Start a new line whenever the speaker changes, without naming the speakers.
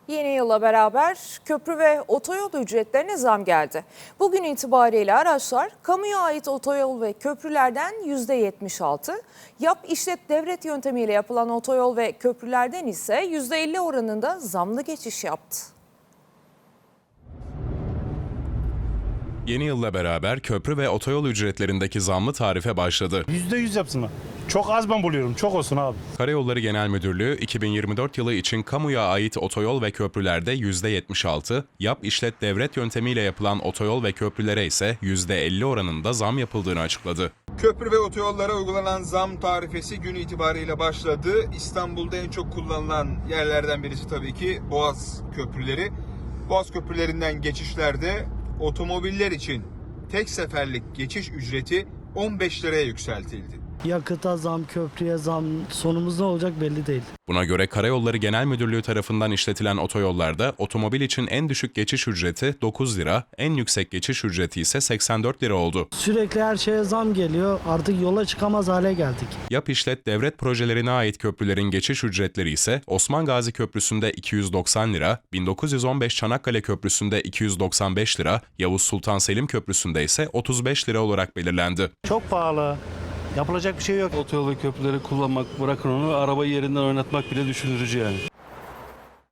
Yeni yılla beraber köprü ve otoyol ücretlerine zam geldi. Bugün itibariyle araçlar kamuya ait otoyol ve köprülerden %76, yap işlet devret yöntemiyle yapılan otoyol ve köprülerden ise %50 oranında zamlı geçiş yaptı.
Yeni yılla beraber köprü ve otoyol ücretlerindeki zamlı tarife başladı.
%100 yapsınlar. Çok az ben buluyorum. Çok olsun abi.
Karayolları Genel Müdürlüğü 2024 yılı için kamuya ait otoyol ve köprülerde %76, yap işlet devret yöntemiyle yapılan otoyol ve köprülere ise %50 oranında zam yapıldığını açıkladı.
Köprü ve otoyollara uygulanan zam tarifesi gün itibariyle başladı. İstanbul'da en çok kullanılan yerlerden birisi tabii ki Boğaz köprüleri. Boğaz köprülerinden geçişlerde otomobiller için tek seferlik geçiş ücreti 15 liraya yükseltildi.
Yakıta zam, köprüye zam, sonumuz ne olacak belli değil.
Buna göre Karayolları Genel Müdürlüğü tarafından işletilen otoyollarda otomobil için en düşük geçiş ücreti 9 lira, en yüksek geçiş ücreti ise 84 lira oldu.
Sürekli her şeye zam geliyor, artık yola çıkamaz hale geldik.
Yap işlet devlet projelerine ait köprülerin geçiş ücretleri ise Osman Gazi Köprüsü'nde 290 lira, 1915 Çanakkale Köprüsü'nde 295 lira, Yavuz Sultan Selim Köprüsü'nde ise 35 lira olarak belirlendi.
Çok pahalı. Yapılacak bir şey yok.
Otoyol ve köprüleri kullanmak, bırakın onu, arabayı yerinden oynatmak bile düşündürücü yani.